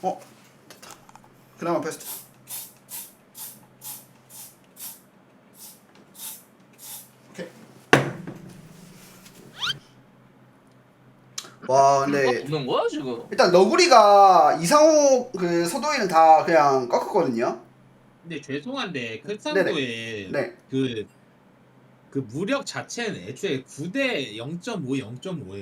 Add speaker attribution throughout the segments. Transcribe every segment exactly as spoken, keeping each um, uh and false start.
Speaker 1: 어 됐다. 그나마 베스트. 오케이. 와 근데
Speaker 2: 없는 거야 지금?
Speaker 1: 일단 너구리가 이상호 그 서도희는 다 그냥 꺾었거든요.
Speaker 3: 근데 죄송한데 클산도의
Speaker 1: 네.
Speaker 3: 그, 그 무력 자체는 애초에 구 대 영 점 오, 영 점 오예요.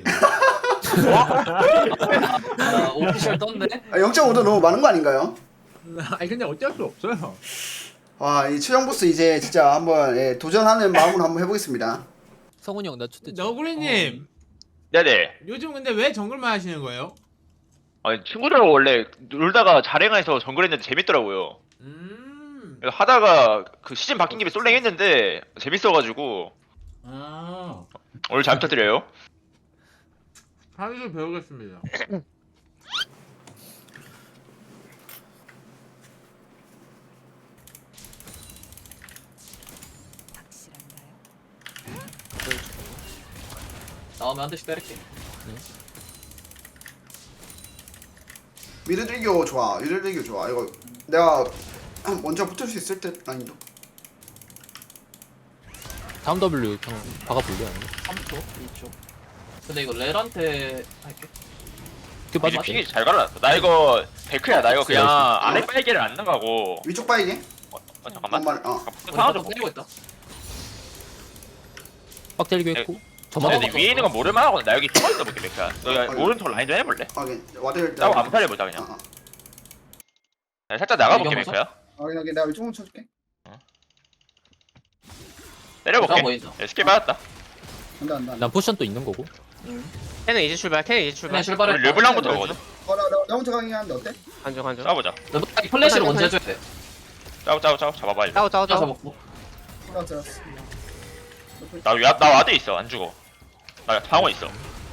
Speaker 2: 아, 오피셜 떴네?
Speaker 1: 아, 영 점 오도 너무 많은 거 아닌가요?
Speaker 3: 아니 근데 어쩔 수 없어요.
Speaker 1: 와, 이 최종 보스 이제 진짜 한번 예, 도전하는 마음으로 한번 해보겠습니다.
Speaker 4: 성훈이 형 나 초대 좀.
Speaker 3: 너구리님
Speaker 5: 네네.
Speaker 3: 요즘 근데 왜 정글만 하시는 거예요?
Speaker 5: 아니 친구들하고 원래 놀다가 자랭해서 정글했는데 재밌더라고요.
Speaker 3: 음.
Speaker 5: 그래서 하다가 그 시즌 바뀐 김에 솔랭 했는데 재밌어가지고
Speaker 3: 아.
Speaker 5: 오늘 잘 부탁드려요.
Speaker 3: 하루를 배우겠습니다.
Speaker 2: 나오면 한 대씩 때릴게.
Speaker 1: 미드들교 좋아, 미드들교 좋아. 이거 내가 한 먼저 붙을 수 있을 듯 아니도.
Speaker 4: 다음 W 형 박아볼래 아니면?
Speaker 2: 삼 초, 이 초. 근데 이거 렐한테 할게.
Speaker 4: 그
Speaker 5: 이제
Speaker 4: 빠질게.
Speaker 5: 픽이 잘 갈아놨어. 나 이거 데크야. 나 이거 그냥 아래 빨개를 안 나가고.
Speaker 1: 위쪽 바이게?
Speaker 5: 어, 어, 잠깐만.
Speaker 1: 잠깐만. 어.
Speaker 5: 상황 좀
Speaker 2: 때리고 있다.
Speaker 4: 빡 때리고
Speaker 5: 네.
Speaker 4: 했고. 저만
Speaker 5: 근데 위에 있는 건 모를만 하고 나 여기 숨어 있어 볼게 데크야. 너 오른쪽 라인 좀 해볼래?
Speaker 1: 확인. 와드
Speaker 5: 짜고 암살 해보자 그냥.
Speaker 1: 어, 어.
Speaker 5: 나 살짝 나가볼게
Speaker 2: 이거
Speaker 5: 데크야.
Speaker 1: 확인 확인. 내가 위쪽으로 쳐줄게.
Speaker 5: 때려볼게.
Speaker 2: 보인다.
Speaker 5: 예, 스킬 받았다.
Speaker 1: 안돼 안돼.
Speaker 4: 난 포션 또 있는 거고.
Speaker 6: 걔는 이제 출발, 걔는 이제
Speaker 2: 그냥
Speaker 6: 출발.
Speaker 2: 출발해.
Speaker 5: 우리 르블랑부터 가거든.
Speaker 1: 어나 나 나 혼자 가긴 하는데 어때?
Speaker 6: 한정 한정.
Speaker 5: 싸워보자.
Speaker 2: 르블랑이 플래시를 먼저 해줘야 돼.
Speaker 5: 짜고 짜고 짜고 잡아봐 일로.
Speaker 6: 짜오 짜오
Speaker 2: 짜서
Speaker 6: 짜오.
Speaker 2: 먹고.
Speaker 1: 알았어 알았어.
Speaker 5: 나, 와- 나 와드 있어 안 죽어. 나 방어 있어.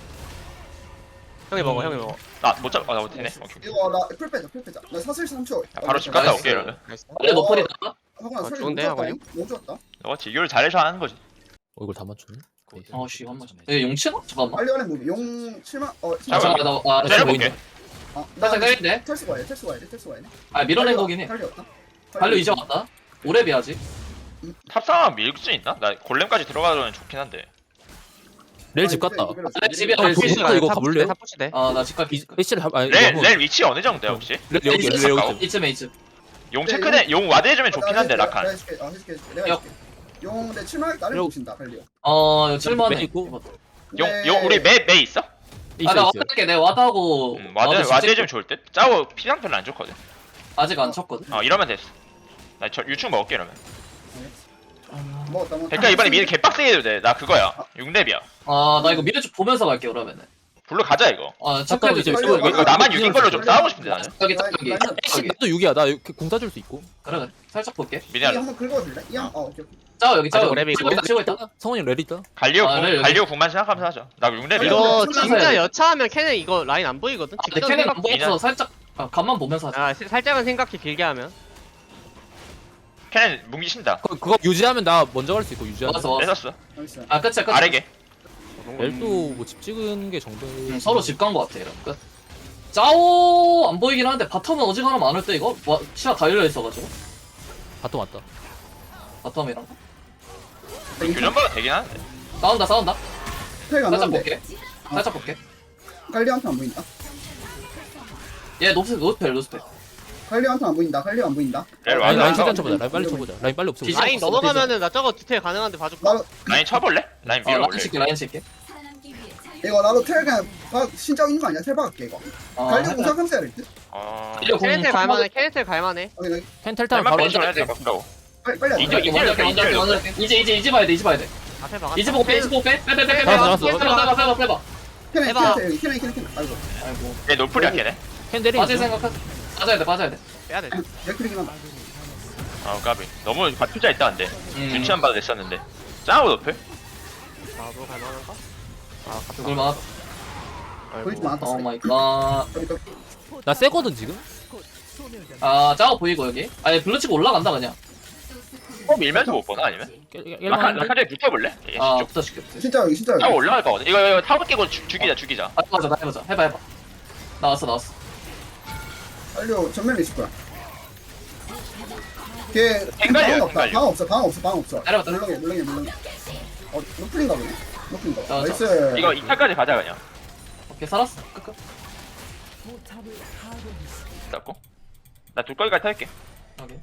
Speaker 6: 형이 먹어, 형이 먹어.
Speaker 5: 나 못 잡. 아나 못했네. 오케이.
Speaker 1: 이거 나풀 빼자 풀 빼자. 나 사슬 삼 초.
Speaker 5: 야, 바로 집 갔다
Speaker 2: 나이스.
Speaker 5: 올게 이러면.
Speaker 2: 원래 노플이다.
Speaker 1: 하고나
Speaker 6: 어,
Speaker 1: 소리
Speaker 6: 좋은데,
Speaker 1: 너무 좋았다.
Speaker 6: 하고요?
Speaker 1: 너무 좋았다.
Speaker 5: 너가 지교를 잘해서 하는 거지.
Speaker 4: 어 이걸 다 맞췄네.
Speaker 2: 어씨 한 번. 얘 용치나? 잠깐만.
Speaker 1: 빨리 하는 무비. 용 칠만 어.
Speaker 2: 아, 잠깐만 나 아, 아래서
Speaker 5: 때려볼게.
Speaker 2: 보인다.
Speaker 1: 어, 나
Speaker 2: 살짝 때리는데?
Speaker 1: 텔스 와야 돼. 텔스 와야 돼. 텔스 와야 돼.
Speaker 2: 아 밀어낸 거긴 해.
Speaker 1: 달려왔다.
Speaker 2: 발로 이제 왔다. 오래 비하지.
Speaker 5: 탑상황 밀 수 있나? 나 골렘까지 들어가면 좋긴 한데.
Speaker 4: 렐 집 갔다.
Speaker 2: 아, 집이야.
Speaker 4: 어,
Speaker 2: 렐
Speaker 4: 거기
Speaker 2: 집이야.
Speaker 4: 있다, 이거 가볼래요?
Speaker 6: 탑푸시대.
Speaker 2: 아나 집갈 기.
Speaker 4: 패시를 하. 아니
Speaker 5: 렐,
Speaker 4: 너무-
Speaker 5: 렐 위치 어느 정도야 혹시?
Speaker 4: 렐 여기 렐 여기.
Speaker 2: 이쯤에 이쯤.
Speaker 5: 용 체크네, 용 와드 해주면 좋긴 한데 라칸.
Speaker 1: 내가 해줄게. 어 해줄게. 해줄게. 내가
Speaker 2: 야.
Speaker 1: 해줄게. 용 내 칠만 나를
Speaker 4: 요.
Speaker 1: 보신다. 빨리요.
Speaker 2: 어 이거 칠만해.
Speaker 4: 매 있고.
Speaker 5: 용,
Speaker 1: 네.
Speaker 5: 용 우리 매, 매 있어?
Speaker 4: 있어
Speaker 2: 아나
Speaker 4: 있어.
Speaker 2: 와드할게. 내가 와드하고.
Speaker 5: 음, 와드,
Speaker 2: 와드
Speaker 5: 와드
Speaker 2: 직접-
Speaker 5: 해주면 좋을 듯? 짜고 피장 별로 안 좋거든.
Speaker 2: 아직 안 쳤거든.
Speaker 5: 어 이러면 됐어. 나 저 유충 먹을게 이러면.
Speaker 1: 먹었다 먹었다.
Speaker 5: 백가 이번에 미드 개빡세게 해도 돼. 나 그거야. 육 렙이야.
Speaker 2: 아나 이거 미드 쭉 보면서 갈게 그러면은.
Speaker 5: 불러 가자 이거.
Speaker 2: 아
Speaker 4: 잠깐만,
Speaker 2: 체크해줘.
Speaker 4: 이제
Speaker 2: 체크해줘.
Speaker 5: 이거, 이거 나만 육인 걸로 좀 싸우고 싶은데 나는.
Speaker 2: 여기 딱 여기.
Speaker 4: 패시
Speaker 2: 여기.
Speaker 4: 또 육이야. 나 공 따줄 수 있고.
Speaker 2: 그래 그래. 살짝 볼게.
Speaker 1: 이
Speaker 5: 미니알
Speaker 1: 한번 긁어줄래? 이 한. 어 오케이 오케이.
Speaker 2: 짜오 여기 짜오.
Speaker 6: 아직 오래
Speaker 2: 치고 있다 치고 있다.
Speaker 4: 성훈이 형 렐 있다.
Speaker 5: 갈리오
Speaker 2: 아,
Speaker 5: 궁,
Speaker 2: 렐,
Speaker 5: 갈리오 궁만 생각하면서 하자. 나 육 렙이야.
Speaker 6: 이거
Speaker 2: 출발해야
Speaker 6: 진짜
Speaker 2: 돼.
Speaker 6: 여차하면 걔는 이거 라인 안 보이거든.
Speaker 2: 아, 근데 캐는 안 보여서 살짝 아, 간만 보면서 하자.
Speaker 6: 아, 시- 살짝은 생각해 길게 하면.
Speaker 5: 걔는 뭉기 신다.
Speaker 4: 그, 그거 유지하면 나 먼저 갈 수 있고 유지하면.
Speaker 2: 왔어 왔어.
Speaker 5: 뺏었어.
Speaker 1: 나이스.
Speaker 2: 아 끝이야 끝.
Speaker 5: 아래게.
Speaker 4: 렐도 뭐 집 찍은 게 정도.
Speaker 2: 음, 서로 집 간 거 같아 이런 끝. 짜오 안 보이긴 하는데 바텀은 어지간하면 많을 때 이거 와, 시야 다 열려 있어가지고
Speaker 4: 바텀 왔다.
Speaker 2: 바텀이랑
Speaker 5: 교전봐도 되긴 하는데.
Speaker 2: 싸운다 싸운다.
Speaker 1: 스택 안
Speaker 2: 살짝
Speaker 1: 나는데.
Speaker 2: 볼게. 살짝 볼게.
Speaker 1: 갈리한테 안 보인다.
Speaker 2: 얘 노스 노스펠 노스펠.
Speaker 1: 갈리한테 안 보인다. 갈리 안 보인다.
Speaker 5: 렐
Speaker 4: 라인 라인
Speaker 5: 와드.
Speaker 4: 최대한 쳐보자. 라인 빨리 쳐보자. 라인 빨리 없애보자.
Speaker 2: 뒤집어.
Speaker 6: 라인
Speaker 2: 없어,
Speaker 6: 넘어가면은 나 저거 디테일 가능한데 봐줄까?
Speaker 1: 나
Speaker 5: 라인 쳐볼래? 라인
Speaker 2: 어 라인
Speaker 5: 밀어볼래?
Speaker 2: 칠게 라인 칠게.
Speaker 1: 이거 나도 텔 그냥 박 신장 있는 거 아니야? 텔 박을게 이거.
Speaker 2: 어,
Speaker 1: 갈리
Speaker 2: 살짝-
Speaker 1: 공사 감사야 될 듯.
Speaker 5: 어...
Speaker 2: 이거 공-
Speaker 6: 캐네텔 갈만해, 캐네텔 갈만해.
Speaker 1: 여기 여기
Speaker 4: 펜텔타면
Speaker 5: 텔만
Speaker 4: 바로
Speaker 5: 빼지 말아야 돼. 바꾸라고.
Speaker 1: 빨리 빨리 하자.
Speaker 5: 이제- 이제-
Speaker 2: 먼저 할게, 먼저 할게, 먼저 할게. 이제 이제 이제 봐야 돼 이제 봐야 돼.
Speaker 6: 앞에 박았다.
Speaker 2: 이제 보고 빼 이제 보고 빼빼빼빼빼
Speaker 4: 나왔어, 나왔어.
Speaker 2: 빼봐 빼봐 빼봐 빼봐.
Speaker 1: 캐네
Speaker 6: 해봐.
Speaker 1: 캐네 여기 캐네 캐네 캐네. 아이고.
Speaker 2: 아이고
Speaker 5: 얘 노플이야 걔네.
Speaker 4: 펜 때리는
Speaker 2: 빠질 생각하. 빠져야 돼 빠져야 돼.
Speaker 6: 빼야 돼.
Speaker 1: 맥크리긴 한다.
Speaker 5: 아 까비. 너무 투자 있다 근데.
Speaker 2: 음.
Speaker 5: 눈치 안 봐도 됐었는데. 짜고 노플?
Speaker 6: 아, 뭐 갈만한가? 아, 갑자기.
Speaker 2: 그걸 막.
Speaker 1: 보이지 않았다.
Speaker 2: 오 마이 갓.
Speaker 1: 여기 여기.
Speaker 4: 나 세거든 지금.
Speaker 2: 아 짜오 보이고 여기. 아니 블루 치고 올라간다 그냥.
Speaker 5: 어 밀면서 못 보나 아니면? 라칸 라칸에 붙여볼래? 얘
Speaker 2: 아
Speaker 5: 쪽.
Speaker 2: 붙어줄게.
Speaker 1: 진짜 여기 진짜
Speaker 5: 짜고
Speaker 1: 여기.
Speaker 5: 올라갈 거거든. 이거 이거 타워 깨고 죽- 죽이자 죽이자.
Speaker 2: 아 해보자 나 해보자 해봐 해봐. 나왔어 나왔어.
Speaker 1: 갈려 전면에 있을 거야. 걔
Speaker 5: 땡갈려요,
Speaker 1: 방 없다.
Speaker 5: 땡갈려.
Speaker 1: 방 없어. 방 없어. 방 없어.
Speaker 2: 내려왔다.
Speaker 1: 물렁해 물렁해 물렁해. 어 노플인가 보네. 노플인가.
Speaker 2: 자, 자.
Speaker 1: 나이스.
Speaker 5: 이거 이 타까지 가자 그냥.
Speaker 2: 오케이 살았어. 끝끝.
Speaker 5: 잡고. 나 둘거기까지 탈게.
Speaker 2: 오케이.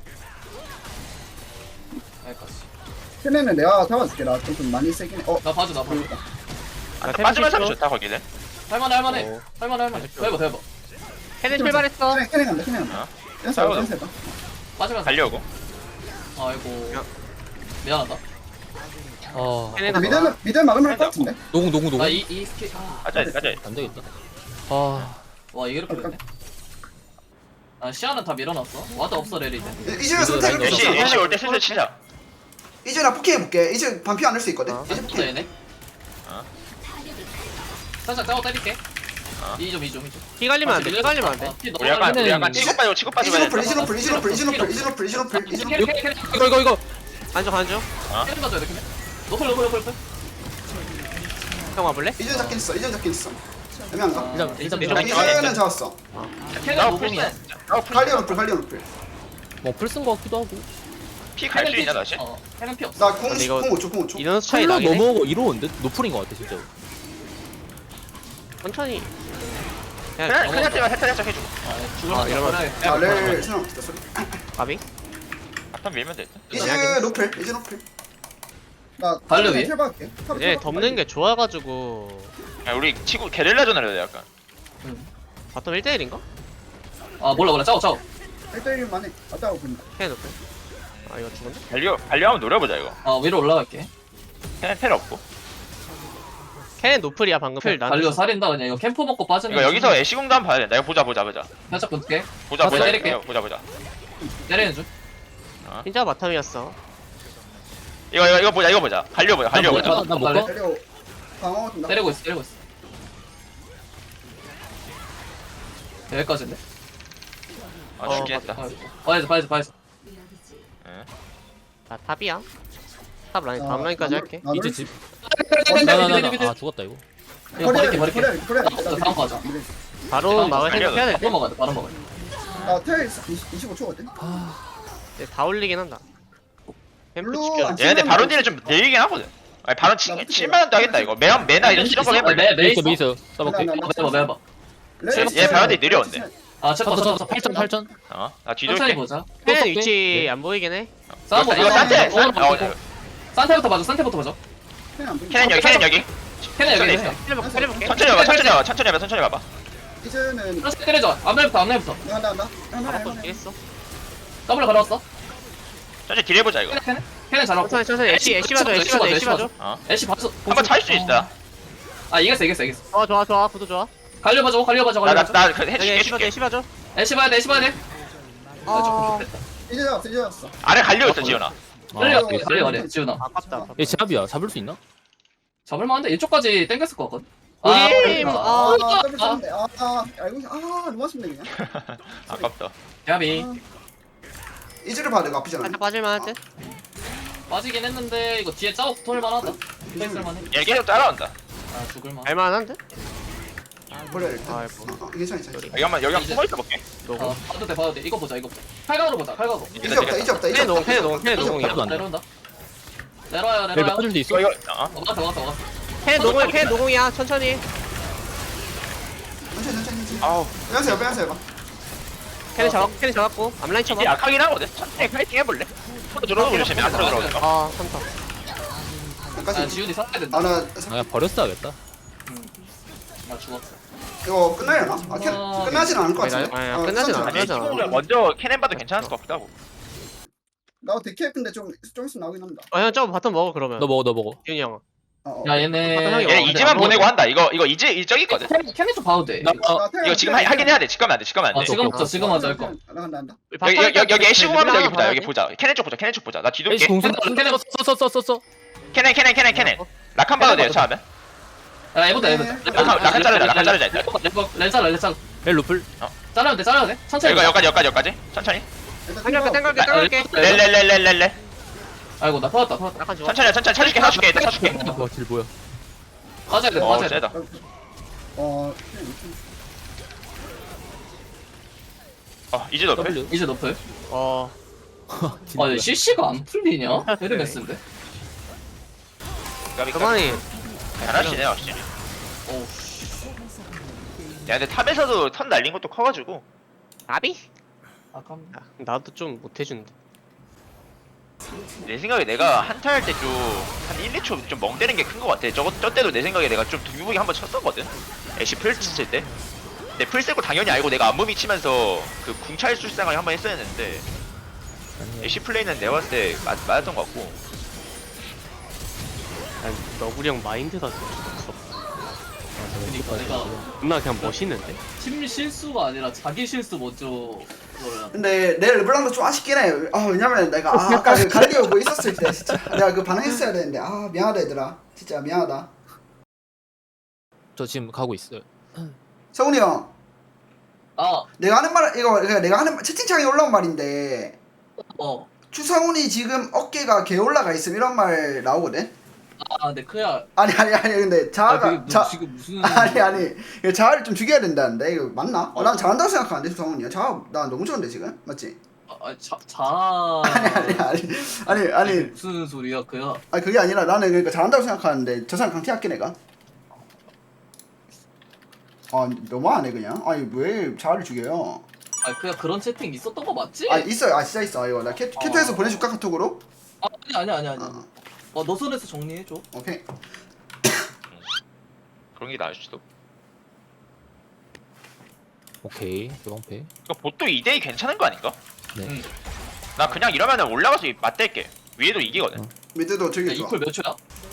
Speaker 2: 여기까지.
Speaker 1: 걔네는 내가 잡아줄게. 나 좀 많이 세긴 해. 어
Speaker 2: 나 봐줘 나 봐줘.
Speaker 5: 아,
Speaker 6: 템
Speaker 5: 빠지면서
Speaker 6: 칠초.
Speaker 5: 좋다 거기는.
Speaker 2: 할만해 할만해. 할만해 할만해. 대박 대박.
Speaker 6: 캐넨 출발했어.
Speaker 1: 걔네 걔네 간다. 걔네 간다.
Speaker 5: 어?
Speaker 1: 댄스
Speaker 5: 싸워도.
Speaker 1: 댄스 해봐.
Speaker 2: 빠지면서.
Speaker 5: 달려오고.
Speaker 2: 아이고.
Speaker 6: 야.
Speaker 2: 미안하다.
Speaker 4: 아
Speaker 6: 캐넨
Speaker 1: 어, 미드는 미드 막으면 할 것 같은데.
Speaker 4: 노공 노공 노공
Speaker 2: 나이 이 스킬. 아.
Speaker 5: 가자 가자.
Speaker 4: 안 되겠다. 아
Speaker 2: 와 이게 이렇게 됐네. 아 시야는 다 밀어놨어. 와드 없어 레리 이제.
Speaker 1: 이제 선택을
Speaker 4: 라인
Speaker 5: 애쉬
Speaker 1: 줬어.
Speaker 5: 애쉬 올 때 슬슬 치자.
Speaker 1: 이제 나 포킹 해볼게. 이제 반피 안 할 수 있거든.
Speaker 2: 아,
Speaker 1: 이제
Speaker 2: 또
Speaker 1: 포킹.
Speaker 2: 얘네.
Speaker 5: 어.
Speaker 2: 살짝 짜고 때릴게.
Speaker 5: 어.
Speaker 2: 이점 이점 이점.
Speaker 6: 피 갈리면 안 돼. 피 갈리면 안 돼.
Speaker 5: 우리 약간 우리 약간
Speaker 2: 이제
Speaker 5: 치고 빠지고 치고 빠지고
Speaker 1: 이즈
Speaker 5: 해야
Speaker 1: 노플 이즈
Speaker 5: 된다.
Speaker 1: 노플 이즈 노플 이즈 노플 이즈 노플 이즈 노플 이즈 노플 이즈 노플.
Speaker 4: 이거 이거 이거
Speaker 6: 간주 간주.
Speaker 2: 캐릭 가져야 돼 캐릭. 노플 노플 노플 노플.
Speaker 6: 형 와볼래?
Speaker 1: 이제 잡긴 있어. 이제 잡긴 있어. 애매한가?
Speaker 4: 일단 일단
Speaker 6: 내려가.
Speaker 4: 밀어.
Speaker 1: 이제는 잡았어.
Speaker 2: 캐릭
Speaker 5: 나
Speaker 2: 노플이야.
Speaker 5: 풀스. 나 풀스.
Speaker 1: 갈리오 노플 갈리오 노플.
Speaker 4: 뭐풀쓴 거 같기도 하고.
Speaker 5: 피갈 수 있냐 다시?
Speaker 2: 어 캐릭 피 없어.
Speaker 1: 나공
Speaker 6: 근데 이거-
Speaker 1: 공 오 초 공 오 초.
Speaker 6: 이런 차이
Speaker 4: 힐러
Speaker 6: 나긴 해.
Speaker 4: 넘어오고 이러는데 노플인 거 같아 진짜.
Speaker 6: 천천히.
Speaker 5: 그냥
Speaker 6: 그냥
Speaker 5: 그냥 때만 살짝 살짝 해주고.
Speaker 2: 죽을
Speaker 6: 아,
Speaker 2: 만
Speaker 6: 이러면-
Speaker 1: 아, 렐 생각 없다 소리.
Speaker 6: 가비.
Speaker 5: 바텀 밀면 돼.
Speaker 1: 이제 노플 이제 노플. 나
Speaker 2: 갈려, 위에?
Speaker 1: 텔박할게.
Speaker 6: 얘 덮는 게 좋아가지고
Speaker 5: 야, 우리 치고 게릴라전을 해야 돼 약간.
Speaker 6: 바텀 일 대 일인가?
Speaker 2: 아 몰라 몰라 짜오 짜오.
Speaker 1: 일 대 일만 해. 왔다고 본다.
Speaker 6: 캐넨 높여. 아 이거 죽었네.
Speaker 5: 달려 달려 한번 노려보자 이거.
Speaker 2: 아 위로 올라갈게.
Speaker 5: 텔, 텔 없고.
Speaker 6: 캐넨 노플이야 방금. 풀 난.
Speaker 2: 달려 살인다 그냥 이거 캠프 먹고 빠지는.
Speaker 5: 이거 여기서 애쉬궁도 한번 봐야 된다. 이거 보자 보자 보자.
Speaker 2: 살짝 붙게.
Speaker 5: 보자
Speaker 2: 가서
Speaker 5: 보자.
Speaker 2: 때릴게.
Speaker 5: 이거 보자 보자.
Speaker 2: 때리는 중.
Speaker 6: 진짜 바텀이었어.
Speaker 5: 이거 이거 이거 보자 이거 보자. 갈려 보자 갈려
Speaker 2: 나
Speaker 5: 보자.
Speaker 2: 뭐-
Speaker 4: 나 못
Speaker 2: 갈래?
Speaker 4: 가.
Speaker 1: 때려. 방어 준다.
Speaker 2: 때리고 있어 때리고 있어. 여기까지인데.
Speaker 5: 아
Speaker 6: 어,
Speaker 5: 죽긴 했다.
Speaker 2: 봐야지 봐야지 봐야지.
Speaker 6: 아 탑이야. 탑 라인
Speaker 1: 아,
Speaker 6: 다음 라인까지
Speaker 1: 나-
Speaker 6: 할게.
Speaker 1: 나
Speaker 4: 이제
Speaker 1: 놀-
Speaker 4: 집.
Speaker 2: 미드,
Speaker 4: 나나나
Speaker 2: 미드, 미드.
Speaker 4: 아 죽었다 이거.
Speaker 2: 이거 버릴게
Speaker 1: 버려야
Speaker 2: 버릴게.
Speaker 1: 돼, 버려야 돼, 버려야 돼.
Speaker 2: 다음 거 하자.
Speaker 6: 바로
Speaker 2: 다음
Speaker 6: 막을
Speaker 5: 달려.
Speaker 6: 생각해야 돼.
Speaker 2: 바로 먹어야 돼 바로 먹어야 돼.
Speaker 1: 나텔 이십오 초거든.
Speaker 6: 네, 다 올리긴 한다. 캠프
Speaker 1: 블루
Speaker 6: 지켜야
Speaker 1: 안
Speaker 6: 돼.
Speaker 5: 얘네들 바론 딜은 좀 내리긴 하거든. 아니 바론 치,
Speaker 1: 나
Speaker 5: 칠만 원도 하겠다 이거. 매한 매나 이런 실험 해볼래.
Speaker 2: 매
Speaker 4: 메이스
Speaker 2: 메이스.
Speaker 4: 메이스 써볼게.
Speaker 1: 나- 나-
Speaker 2: 매봐 매봐.
Speaker 5: 얘 바론딜 내려온대.
Speaker 2: 아 체크
Speaker 4: 쳤어
Speaker 2: 체크
Speaker 4: 쳤어 팔천 팔천.
Speaker 5: 어? 나
Speaker 2: 천천히
Speaker 5: 뒤돌게.
Speaker 2: 보자.
Speaker 6: 캐넨
Speaker 4: 쏠게.
Speaker 6: 위치 안 보이긴 해.
Speaker 2: 싸움
Speaker 5: 이거
Speaker 2: 보자.
Speaker 5: 이거 싼데. 싼- 어,
Speaker 2: 어, 산테부터 봐줘 산테부터 봐줘.
Speaker 5: 캐넨 여기 캐넨 여기.
Speaker 2: 캐네 여기
Speaker 5: 천천히
Speaker 2: 있어.
Speaker 6: 때려볼게. 때려볼게.
Speaker 5: 천천히 가봐 천천히 가봐 천천히 가봐 천천히 가봐.
Speaker 1: 이제는
Speaker 2: 그렇지 때려줘. 앞날부터 앞날부터.
Speaker 1: 한다 한다. 한다
Speaker 6: 바꿔
Speaker 1: 한다.
Speaker 6: 주겠어.
Speaker 2: 더블 걸어왔어.
Speaker 5: 천천히 딜 해보자 이거.
Speaker 2: 캐네 캐네. 캐네 잘하고.
Speaker 6: 천천히 천천히 애쉬 애쉬 봐줘 애쉬 봐줘 애쉬 봐줘.
Speaker 5: 어?
Speaker 2: 애쉬 봐줘.
Speaker 5: 한번 찰 수 있다.
Speaker 2: 아 이겼어 이겼어 이겼어.
Speaker 6: 좋아 좋아 좋아 부도 좋아.
Speaker 2: 갈려 봐줘 갈려 봐줘 갈려 봐줘.
Speaker 5: 나나나그
Speaker 6: 여기
Speaker 5: 해줄게
Speaker 6: 애쉬 봐줘
Speaker 5: 해줄게.
Speaker 6: 애쉬 봐줘.
Speaker 2: 애쉬 봐야 돼 애쉬 봐야 돼.
Speaker 6: 아
Speaker 1: 이제 잡았어 이제 잡았어.
Speaker 5: 아래 갈려 있어 지현아.
Speaker 2: 갈려
Speaker 1: 아,
Speaker 2: 갈려 갈려 갈려 지훈아.
Speaker 6: 아깝다.
Speaker 4: 얘 제압이야. 잡을 수 있나?
Speaker 2: 잡을만한데 이쪽까지 땡겼을 것 같거든.
Speaker 6: 우리
Speaker 2: 아,
Speaker 6: 팀,
Speaker 2: 그러니까.
Speaker 6: 아,
Speaker 1: 아 더블 쳤는데. 아 아, 알고 있- 아 너무 아쉽네 그냥.
Speaker 5: 아깝다.
Speaker 2: 야비
Speaker 1: 이즈를 봐도 이거 아프잖아.
Speaker 6: 살짝 빠질만 할 듯.
Speaker 2: 빠지긴 했는데 이거 뒤에 짜고 붙을만하다. 땡쓸만해.
Speaker 5: 얘 계속 따라온다.
Speaker 2: 아 죽을만.
Speaker 6: 알만한 듯?
Speaker 1: 버려야 돼.
Speaker 6: 아이고.
Speaker 1: 어, 어, 괜찮아 괜찮아.
Speaker 5: 여기 한번 여기 한번 숨어 있어 볼게.
Speaker 6: 노고.
Speaker 2: 어 봐도 돼 봐도 돼. 이거 보자 이거 보자. 칼각으로 보자 칼각으로.
Speaker 1: 이제 없다 이제 없다 이제
Speaker 6: 캐넨 노공
Speaker 1: 없다.
Speaker 6: 캐넨 노공 캐넨 노공이야.
Speaker 4: 안 돼.
Speaker 2: 내려온다. 내려와요
Speaker 4: 얘
Speaker 2: 내려와요.
Speaker 4: 빠질 수 있어?
Speaker 5: 이거 이거 어?
Speaker 2: 어 막았어 막았어 막았어.
Speaker 6: 캐넨 노공이야 캐넨 노공이야 천천히.
Speaker 1: 천천히 천천히 천천히.
Speaker 5: 아우
Speaker 1: 빼앗어 빼앗어 해봐.
Speaker 6: 캐넨 잡았고 캐넨 잡았고 앞라인
Speaker 5: 이제
Speaker 6: 쳐봐.
Speaker 5: 약하긴 하거든. 천천히 파이팅 해볼래? 앞으로 들어오고 조심해. 앞으로 들어오는 거.
Speaker 6: 아 삼타.
Speaker 2: 아
Speaker 1: 여기까지.
Speaker 2: 지훈이 살아야 된다.
Speaker 1: 아나
Speaker 4: 아 그냥 버렸어야겠다.
Speaker 2: 나 죽었어.
Speaker 1: 이거 끝나려나? 아 캐,
Speaker 2: 어,
Speaker 1: 끝나진 않을 것 같은데.
Speaker 6: 아니, 아니,
Speaker 1: 어,
Speaker 6: 끝나진
Speaker 1: 괜찮잖아.
Speaker 6: 않아.
Speaker 5: 아니 친구를 먼저 캐넨 봐도 괜찮을 것 같기도 하고.
Speaker 1: 나 데케 근데 좀좀 있으면 나오긴 합니다.
Speaker 6: 어형 저거 바텀 먹어 그러면.
Speaker 4: 너 먹어 너 먹어.
Speaker 6: 윤이 형.
Speaker 1: 어, 어.
Speaker 2: 야 얘네.
Speaker 6: 형이
Speaker 5: 얘
Speaker 6: 어,
Speaker 5: 이지만
Speaker 6: 근데
Speaker 5: 보내고
Speaker 6: 안
Speaker 5: 한다. 이거 이거 이지 이적 있거든.
Speaker 2: 캐네 좀 봐도 돼.
Speaker 4: 나 어,
Speaker 1: 나 테라
Speaker 5: 이거 지금
Speaker 1: 테라
Speaker 5: 하, 하긴 해야 돼. 지금 하면 안 돼. 지금 하면 안
Speaker 2: 아
Speaker 5: 돼.
Speaker 2: 지금 없어 지금 하자 할 거.
Speaker 1: 나간다 간다.
Speaker 5: 여기 여기 여기 여기 애쉬 공하면 여기 보자. 여기 보자. 캐넨 쪽 보자. 캐넨 쪽 보자. 나 뒤돌게.
Speaker 4: 에이씨 공수
Speaker 2: 캐네
Speaker 4: 써써써써
Speaker 5: 캐넨 캐넨 캐넨 캐넨. 락한 봐도 돼요. 처음에.
Speaker 2: 야 해보자 해보자.
Speaker 5: 낙한 낙한 자르자. 낙한 자르자 일단.
Speaker 2: 렌 잘라 렌 잘라.
Speaker 4: 엘 루플.
Speaker 2: 잘라야 돼 잘라야 돼. 천천히.
Speaker 5: 이거 여기까지 여기까지 여기까지. 천천히.
Speaker 6: 땡갈게 땡갈게 땡갈게.
Speaker 5: 렐렐렐렐렐렐.
Speaker 2: 아이고 나 터졌다 터졌다.
Speaker 6: 약간 좋아.
Speaker 5: 천천히 천천히 쳐줄게 쳐줄게 일단 쳐줄게.
Speaker 4: 와딜 뭐야?
Speaker 2: 빠져야 돼
Speaker 5: 어
Speaker 2: 빠져야 돼.
Speaker 5: 세다.
Speaker 1: 어.
Speaker 5: 어 이제 너프.
Speaker 4: W.
Speaker 2: 이제 너플.
Speaker 6: 어
Speaker 4: 진짜.
Speaker 2: 아 씨씨가 안 풀리냐? 헤르메스인데.
Speaker 6: 그만이
Speaker 5: 잘하시네 확실히.
Speaker 2: 어우.
Speaker 5: 야 근데 탑에서도 턴 날린 것도 커가지고.
Speaker 6: 아비?
Speaker 2: 아깝네.
Speaker 6: 아, 나도 좀 못해준다.
Speaker 5: 내 생각에 내가 한타 할 때 좀 한 일, 이 초 좀 멍 때리는 게 큰 것 같아. 저거 저 때도 내 생각에 내가 좀 두부기 한번 쳤었거든. 애쉬 풀 칠 때. 근데 풀 쓰고 당연히 알고 내가 안무미 치면서 그 궁찰 술상을 한번 했어야 했는데 애쉬 플레이는 내가 봤을 때 맞, 맞았던 것 같고.
Speaker 6: 난 너구리 형 마인드가 좀 없어.
Speaker 2: 그니까 내가
Speaker 6: 누나 그냥 멋있는데?
Speaker 2: 팀 실수가 아니라 자기 실수 먼저 그거를.
Speaker 1: 근데 내 르블랑도 좀 아쉽긴 해. 아 왜냐면 내가 아, 아까 그 갈리오 뭐 있었을 때 진짜 내가 그 반응했어야 되는데 아 미안하다 얘들아. 진짜 미안하다.
Speaker 4: 저 지금 가고 있어요.
Speaker 1: 성훈이 형,
Speaker 2: 아,
Speaker 1: 내가 하는 말 이거 그러니까 내가 하는 말- 채팅창에 올라온 말인데
Speaker 2: 어.
Speaker 1: 추성훈이 지금 어깨가 개 올라가 있음 이런 말 나오거든.
Speaker 2: 아, 근데 그야.
Speaker 1: 아니 아니 아니 근데
Speaker 2: 아,
Speaker 1: 자아가
Speaker 2: 그게 뭐
Speaker 1: 자
Speaker 2: 지금 무슨.
Speaker 1: 아니 아니 이거 자아를 좀 죽여야 된다는데 이거 맞나? 어, 난 잘한다고 생각하는데 추성훈이 자아 나 너무 좋은데 지금 맞지?
Speaker 2: 아, 자, 자.
Speaker 1: 아니 아니 아니 아니 아니
Speaker 2: 무슨 소리야, 그야.
Speaker 1: 아니 그게 아니라 나는 그러니까 잘한다고 생각하는데 저 사람 강퇴할게 내가. 아 너무하네 그냥. 아니 왜 자아를 죽여요?
Speaker 2: 아, 그야 그런 채팅 있었던 거 맞지?
Speaker 1: 아 있어요. 아 진짜 있어. 이거 나 캐, 캐투에서
Speaker 2: 어.
Speaker 1: 보내줄까 카톡으로?
Speaker 2: 아, 아니, 아니, 아니, 아니.
Speaker 1: 어,
Speaker 2: 어, 너 손에서 정리해줘.
Speaker 1: 오케이.
Speaker 5: 그런 게 나을 수도.
Speaker 4: 오케이. 요방패.
Speaker 5: 그러니까 보통 이 대 이 괜찮은 거 아닌가?
Speaker 4: 네.
Speaker 2: 응.
Speaker 5: 나 그냥 이러면은 올라가서 맞댈게. 위에도 이기거든.
Speaker 4: 어.
Speaker 1: 미드도 저기
Speaker 2: 야,
Speaker 1: 좋아.
Speaker 2: 이퀄 몇 초야?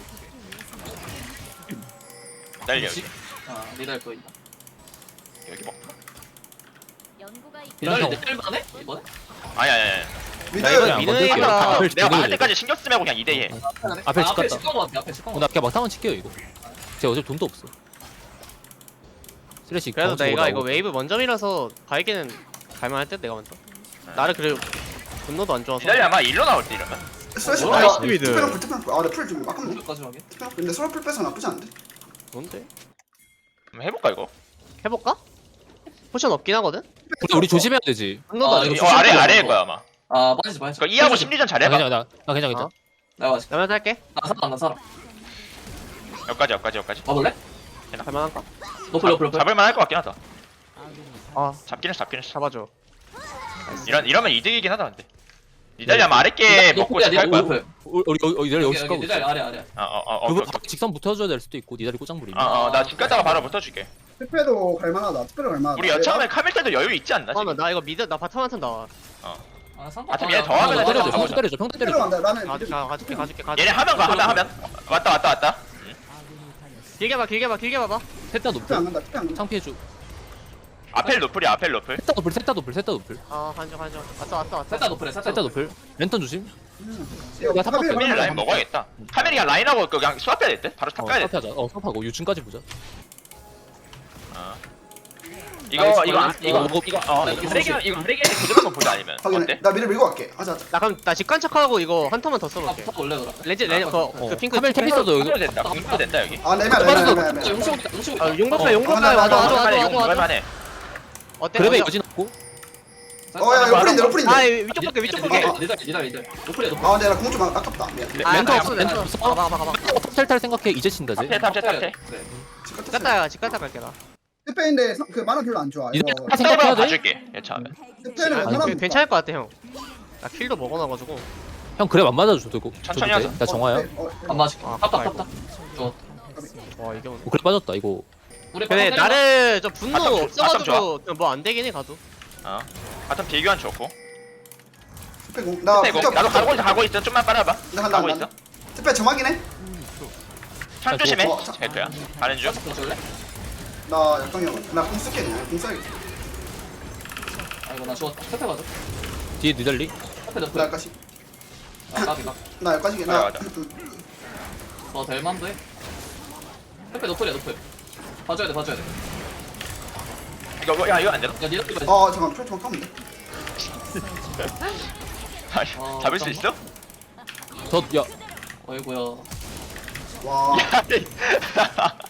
Speaker 5: 날려
Speaker 2: 그렇지?
Speaker 5: 여기.
Speaker 2: 아, 니달 거 있다.
Speaker 5: 여기 뭐.
Speaker 7: 연구가 있-
Speaker 2: 니달
Speaker 4: 형.
Speaker 2: 이제 뗄만해? 이번에?
Speaker 5: 아니 아니 아니.
Speaker 1: 미드.
Speaker 4: 나 이번에 안
Speaker 6: 미드
Speaker 4: 건들게요.
Speaker 6: 얘기가-
Speaker 4: 앞을
Speaker 5: 내가
Speaker 4: 지켜줘야
Speaker 5: 맞을
Speaker 4: 돼.
Speaker 5: 때까지 신경 쓰지 말고 그냥 이 대 이 해.
Speaker 4: 앞에
Speaker 2: 아,
Speaker 4: 집
Speaker 2: 앞에
Speaker 4: 갔다.
Speaker 2: 칠건 거 같아, 앞에 칠건
Speaker 4: 어,
Speaker 2: 거
Speaker 4: 나
Speaker 2: 같아.
Speaker 4: 그냥 막타만 칠게요 이거. 제가 어차피 돈도 없어. 쓰레쉬.
Speaker 6: 그래도
Speaker 4: 경험치
Speaker 6: 내가 이거
Speaker 4: 올라오고.
Speaker 6: 웨이브 먼저 밀어서 바이게는 갈만할 듯 내가 먼저. 나를 그래 분노도 안 좋아서.
Speaker 5: 기다려 아마 일로 나올 때 이러면.
Speaker 1: 스트레스
Speaker 2: 어,
Speaker 1: 받아.
Speaker 6: 나이스 미드.
Speaker 1: 투표랑 불 투표랑 불. 아나 풀좀 아깝네.
Speaker 2: 여기까지 하게.
Speaker 1: 투표랑 불. 근데 서로 풀 빼서 나쁘지 않은데.
Speaker 6: 뭔데?
Speaker 5: 한번 해볼까 이거?
Speaker 6: 해볼까? 포션 없긴 하거든?
Speaker 4: 근데 우리 조심해야 되지.
Speaker 6: 분노도
Speaker 2: 아,
Speaker 6: 안
Speaker 2: 이거
Speaker 6: 좋아.
Speaker 5: 어 아래
Speaker 2: 조심해야
Speaker 5: 아래일
Speaker 2: 돼,
Speaker 5: 거야 아마.
Speaker 2: 아, 빠지지, 빠지지.
Speaker 5: 그러니까 이하고 심리전
Speaker 4: 나
Speaker 5: 잘해봐.
Speaker 4: 괜찮아. 나, 나 괜찮아 괜찮아.
Speaker 6: 어?
Speaker 2: 내가 맞지.
Speaker 6: 나면 할게.
Speaker 2: 나 살아, 나 살아.
Speaker 5: 여기까지 여기까지 여기까지.
Speaker 2: 와볼래?
Speaker 6: 갈만한가?
Speaker 2: 너플, 너플, 너플.
Speaker 5: 잡을만 할 것 같긴 하다.
Speaker 6: 아
Speaker 5: 잡긴 했어 잡긴 했어.
Speaker 6: 잡아줘.
Speaker 5: 이런 이러면 이득이긴 하다 근데. 니달리 아마 아랫게 먹고
Speaker 2: 너플이야,
Speaker 5: 시작할
Speaker 2: 니달
Speaker 5: 거야.
Speaker 2: 너플.
Speaker 4: 우리 여기 여기 여기 여기
Speaker 2: 여기,
Speaker 4: 까고
Speaker 2: 여기, 니달
Speaker 4: 있어.
Speaker 2: 아래, 아래.
Speaker 5: 어어어
Speaker 4: 그거
Speaker 5: 오케이 오케이.
Speaker 4: 직선 붙어줘야 될 수도 있고 니다리 꼬장부리.
Speaker 5: 어어 나 집 갔다가 바로 붙어줄게.
Speaker 1: 투표도 갈만하다. 투표도 갈만하다.
Speaker 5: 우리 여차하면 카밀 때도 여유 있지 않나? 지금?
Speaker 6: 잠깐만 나 이거 미드 나 바텀 한턴 나와.
Speaker 2: 아, 상관.
Speaker 5: 아, 좀 얘 더 하면
Speaker 2: 나
Speaker 5: 때려줘,
Speaker 4: 때려줘.
Speaker 5: 가보자.
Speaker 4: 평타 때려줘. 평타
Speaker 1: 투표로
Speaker 4: 때려줘.
Speaker 1: 간다. 나는
Speaker 6: 가,
Speaker 1: 미드.
Speaker 6: 가, 가줄게 가줄게 가줄게.
Speaker 5: 얘네 하면 가 하면 하면. 왔다 왔다 왔다.
Speaker 6: 길게 봐 길게 봐 길게 봐봐.
Speaker 4: 셋다
Speaker 1: 투표 안
Speaker 4: 높을.
Speaker 1: 간다. 투표 안 간다.
Speaker 4: 창피해줘.
Speaker 5: 아펠 노플이야 아펠 노플.
Speaker 4: 셋다 높을. 셋다 높을. 셋다 높을.
Speaker 6: 아 간중 간중. 왔어 왔어 왔어.
Speaker 2: 살짝 높으래, 살짝
Speaker 4: 셋다 높을. 랜턴 조심.
Speaker 1: 이거
Speaker 4: 나 탑
Speaker 1: 카밀
Speaker 5: 카밀
Speaker 1: 가면
Speaker 5: 라인 먹어야겠다. 카밀이 그냥 라인하고 그냥 수압 해야 될 듯? 바로 탑
Speaker 4: 어
Speaker 5: 가야 될 듯?
Speaker 4: 스탑하자. 어 스탑하고 유충까지 보자.
Speaker 5: 어. 이거 이거 안- 이거
Speaker 4: 어,
Speaker 5: 이거 어 이거 쓰레기 이거 쓰레기 그대로 한번 보자 아니면
Speaker 1: 확인해.
Speaker 5: 어때?
Speaker 1: 나 미드 밀고 갈게. 하자 하자.
Speaker 6: 나 그럼 나 직관 체크하고 이거 한 턴만 더
Speaker 2: 아,
Speaker 6: 써볼게.
Speaker 2: 붙어 올래, 그럼.
Speaker 6: 레지 레지
Speaker 2: 아,
Speaker 6: 그,
Speaker 4: 어.
Speaker 6: 그 핑크
Speaker 4: 카멜 텔 있어도 여기.
Speaker 5: 공도 된다 공도 된다 여기.
Speaker 1: 아 내면 내면 내면 내면.
Speaker 2: 용식 있다, 용식 있다.
Speaker 6: 아 용법사
Speaker 2: 어,
Speaker 6: 용법사
Speaker 1: 하나,
Speaker 6: 와줘
Speaker 1: 하나,
Speaker 6: 와줘
Speaker 5: 할만해
Speaker 6: 와줘
Speaker 5: 이거
Speaker 6: 와줘.
Speaker 5: 할만해.
Speaker 6: 어때?
Speaker 4: 그래도
Speaker 6: 어때?
Speaker 4: 여진 없고.
Speaker 1: 어야 로플인데 로플인데.
Speaker 6: 아 위쪽 볼게 위쪽 볼게.
Speaker 2: 니달, 니달, 니달. 높으래, 높으래.
Speaker 1: 아 근데 나 공 좀 아깝다. 미안.
Speaker 6: 아
Speaker 4: 렌터
Speaker 6: 나
Speaker 4: 없어,
Speaker 6: 없어
Speaker 4: 렌터
Speaker 6: 렌터
Speaker 4: 없어.
Speaker 6: 가봐 가봐 가봐.
Speaker 4: 탑텔탈 생각해. 이제 친다지.
Speaker 5: 탑태 탑태 탑태.
Speaker 2: 네.
Speaker 6: 집 갔다 집 갔다 갈게 나.
Speaker 1: 투표인데 그 만원 별로 안 좋아.
Speaker 4: 이제
Speaker 1: 이거
Speaker 4: 탑 생각해야 돼.
Speaker 5: 봐줄게 여차하면.
Speaker 1: 투표는
Speaker 6: 아니,
Speaker 1: 웬만하면
Speaker 6: 괜- 괜찮을 것 같아 형. 나 킬도 먹어놔가지고.
Speaker 4: 형 그래 안 맞아줘도 고
Speaker 5: 천천히
Speaker 4: 줘도 돼?
Speaker 5: 하자.
Speaker 4: 나 정화야.
Speaker 1: 어,
Speaker 2: 안 맞을게.
Speaker 6: 아,
Speaker 2: 탑, 탑,
Speaker 6: 아이고.
Speaker 2: 탑, 탑. 좋아.
Speaker 6: 와 이게 오네.
Speaker 4: 어, 그래 빠졌다 이거.
Speaker 2: 우리
Speaker 6: 근데
Speaker 2: 빠져 때리자.
Speaker 6: 나를 좀 분노
Speaker 5: 바텀 좋- 바텀
Speaker 6: 없어가지고 뭐 안 되긴 해 가도.
Speaker 5: 어. 바텀 비교한 좋고.
Speaker 1: 투표 공. 나
Speaker 5: 근데 이거
Speaker 1: 붙어,
Speaker 5: 나도
Speaker 1: 붙어.
Speaker 5: 가고 있어 가고 있어 좀만 빨아봐.
Speaker 1: 나 간다
Speaker 5: 가고
Speaker 1: 간다.
Speaker 5: 있어.
Speaker 1: 투표 정확이네.
Speaker 5: 창
Speaker 4: 아,
Speaker 5: 조심해.
Speaker 1: 어, 자-
Speaker 5: 벨트야. 가는 중.
Speaker 2: 살짝 줄래?
Speaker 1: 나 약동형. 나공 쓸게 그냥. 공 써야겠다.
Speaker 2: 아, 이거 나 죽었다. 태페 가자.
Speaker 4: 뒤에 니달리.
Speaker 2: 태페
Speaker 1: 나
Speaker 2: 높을.
Speaker 1: 여기까지.
Speaker 2: 아, 까비, 까
Speaker 1: 나 여기까지. 나.
Speaker 5: 맞아, 맞아.
Speaker 2: 어, 될만도 해. 태페 높을이야, 높을. 봐줘야 돼, 봐줘야 돼.
Speaker 5: 이거 뭐- 야 이거 안 되나?
Speaker 2: 야, 니달 이거.
Speaker 1: 어 잠깐 표 좀 까면 돼.
Speaker 5: 아니,
Speaker 2: 어,
Speaker 5: 잡을 수 있어?
Speaker 4: 저야
Speaker 2: 어이구야.
Speaker 1: 와.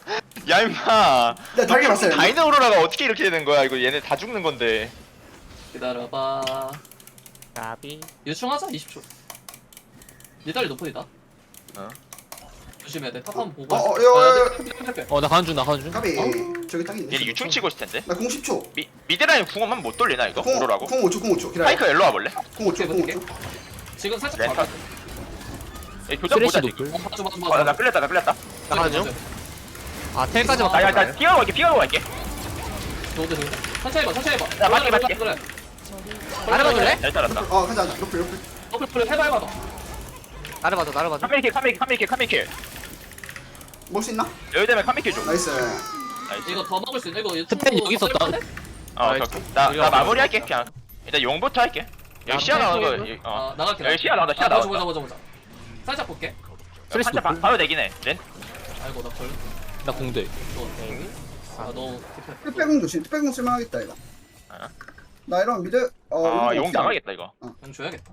Speaker 5: 야 임마.
Speaker 1: 네, 달게 봤어요.
Speaker 5: 다이너 오로라가 어떻게 이렇게 되는 거야? 이거 얘네 다 죽는 건데.
Speaker 2: 기다려봐.
Speaker 6: 까비.
Speaker 2: 유충하자 이십 초. 니달리 노플이다.
Speaker 5: 어.
Speaker 2: 조심해야 돼. 탑 한번 보고.
Speaker 1: 어, 어, 여, 여, 여.
Speaker 4: 어 나 가는 중나 가는 중.
Speaker 1: 까비 저기 딱 있네.
Speaker 5: 얘 유충 치고 있을 텐데.
Speaker 1: 나공 십 초.
Speaker 5: 미 미드라인 궁은 못 돌리나 이거?
Speaker 1: 공,
Speaker 5: 오로라고?
Speaker 1: 공 오 초, 공 오 초. 기다려.
Speaker 5: 파이크 일로 와볼래?
Speaker 1: 공 오 초, 공 오
Speaker 2: 어떻게
Speaker 1: 초.
Speaker 2: 지금 살짝
Speaker 5: 렌터.
Speaker 2: 봐봐.
Speaker 5: 얘 교전 보자
Speaker 4: 쓰레쉬
Speaker 5: 지금.
Speaker 4: 노플.
Speaker 2: 어, 봐줘 봐줘
Speaker 5: 어, 나
Speaker 2: 봐줘.
Speaker 5: 끌렸다 나 끌렸다.
Speaker 6: 나가는 중. 아 텔까지만
Speaker 5: 나, 야,
Speaker 6: 가자.
Speaker 5: 나 피하고 갈게 피하고 갈게.
Speaker 2: 좋은데 좋은데. 천천히 해봐 천천히 해봐.
Speaker 5: 야, 맞게,
Speaker 2: 그래,
Speaker 5: 맞게.
Speaker 2: 그래.
Speaker 6: 나를 봐줄래?
Speaker 5: 잘 따랐다.
Speaker 1: 어, 가자, 가자. 로플, 로플.
Speaker 2: 노플 플레이 해봐 해봐 너.
Speaker 6: 나를 봐줘 나를 봐줘.
Speaker 5: 카메이킬 카메이킬 카메이킬 카메이킬.
Speaker 1: 먹을 수 있나?
Speaker 5: 여기 되면 카메이킬 줘.
Speaker 1: 나이스.
Speaker 5: 나이스.
Speaker 2: 이거 더 먹을 수 있는 이거
Speaker 4: 스팬 여기 있었다.
Speaker 5: 어, 오케이, 오케이. 나, 나 마무리할게 그냥. 일단 용부터 할게. 여기 시야 나오는 거. 여기, 어.
Speaker 2: 아 나갈게.
Speaker 5: 여기 시야 나온다 시야
Speaker 2: 아, 보자
Speaker 5: 나온다.
Speaker 2: 보자 보자 보자. 살짝 볼게.
Speaker 4: 쓰레쉬
Speaker 5: 한자
Speaker 4: 노플.
Speaker 5: 바로 되긴 해. 렌.
Speaker 2: 아이고 나 걸.
Speaker 4: 나 공대.
Speaker 2: 아 너무.
Speaker 1: 특배공 조심. 특배공 쓸만하겠다 이거.
Speaker 5: 아.
Speaker 1: 나 이런 미드. 어,
Speaker 5: 아, 용 나가겠다 이거.
Speaker 2: 좀 줘야겠다.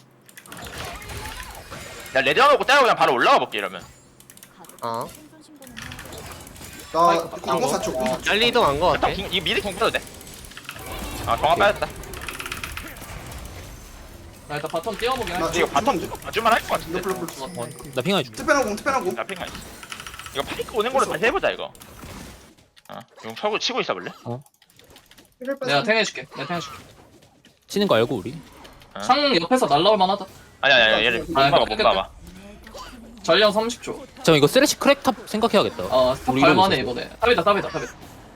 Speaker 5: 야, 레드 하고 따고 그냥 바로 올라가 볼게 이러면.
Speaker 6: 어.
Speaker 7: 생존 신고는
Speaker 1: 나
Speaker 2: 아,
Speaker 1: 공사 초, 공사 초.
Speaker 6: 빨리 이동한 거 같아.
Speaker 5: 일단 궁- 이 미리 궁 써도 돼. 아, 정화 빠졌다.
Speaker 2: 나 일단 바텀 뛰어보게
Speaker 1: 나
Speaker 2: 할게.
Speaker 5: 이거 바텀 봐줄만 할 것 같은데.
Speaker 1: 로플, 로플.
Speaker 4: 어, 나 핑하이 줄.
Speaker 1: 특배공 공, 특배공 공.
Speaker 5: 나 핑가 있어. 이거 파이크 오는 걸로 다시 해보자 이거. 어, 용 서고 치고 있어 볼래?
Speaker 1: 힐을 뺐어.
Speaker 2: 내가 탱해줄게. 내가 탱해줄게.
Speaker 4: 치는 거 알고 우리.
Speaker 5: 어?
Speaker 2: 창 옆에서 날라올 만하다.
Speaker 5: 아니 아니 아니 얘를 못
Speaker 2: 아,
Speaker 5: 막아
Speaker 2: 끝,
Speaker 5: 못
Speaker 2: 끝,
Speaker 5: 막아.
Speaker 2: 전령 삼십 초.
Speaker 4: 잠깐 이거 쓰레쉬 크랙 탑 생각해야겠다.
Speaker 2: 어, 탑
Speaker 4: 우리
Speaker 2: 갈만해
Speaker 4: 이거
Speaker 2: 이번에. 탑이다 탑이다 탑이다.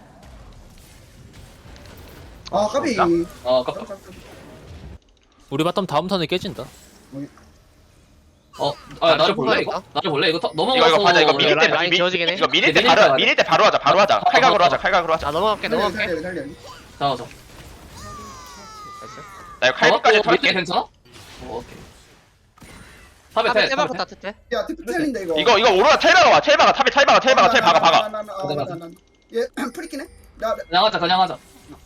Speaker 1: 아, 까비.
Speaker 2: 어, 아깝다.
Speaker 4: 우리 바텀 다음 턴에 깨진다.
Speaker 2: 어, 아 나를 볼래
Speaker 6: 탑
Speaker 2: 이거? 나를 볼래 이거 탑
Speaker 5: 이거
Speaker 2: 넘어가서.
Speaker 5: 이거 가자 이거 미리 때
Speaker 6: 라인
Speaker 5: 미-
Speaker 6: 지워지긴 해.
Speaker 5: 이거 미리 때
Speaker 2: 미리 때
Speaker 5: 바로
Speaker 2: 가야
Speaker 5: 미리 때 바로 하자 바로 하자 칼각으로 하자 칼각으로 하자.
Speaker 6: 아 넘어갈게
Speaker 1: 달려,
Speaker 6: 넘어갈게.
Speaker 1: 달려, 달려, 달려.
Speaker 2: 자, 자.
Speaker 5: 나 이거 칼국까지
Speaker 2: 밑에
Speaker 5: 돌게.
Speaker 2: 괜찮아? 어, 오케이. 탑에
Speaker 6: 탑에
Speaker 2: 태.
Speaker 6: 떼박고
Speaker 2: 탑에
Speaker 6: 다
Speaker 2: 태.
Speaker 6: 트대.
Speaker 1: 야, 특배 텔인데 이거.
Speaker 5: 이거 이거 오로라 텔바가 와 텔바가 탑에 텔바가 텔바가 텔 박아 박아.
Speaker 1: 나, 나, 나, 나, 나, 나. 얘 프리키네? 나, 나-
Speaker 2: 그냥 하자 그냥 하자.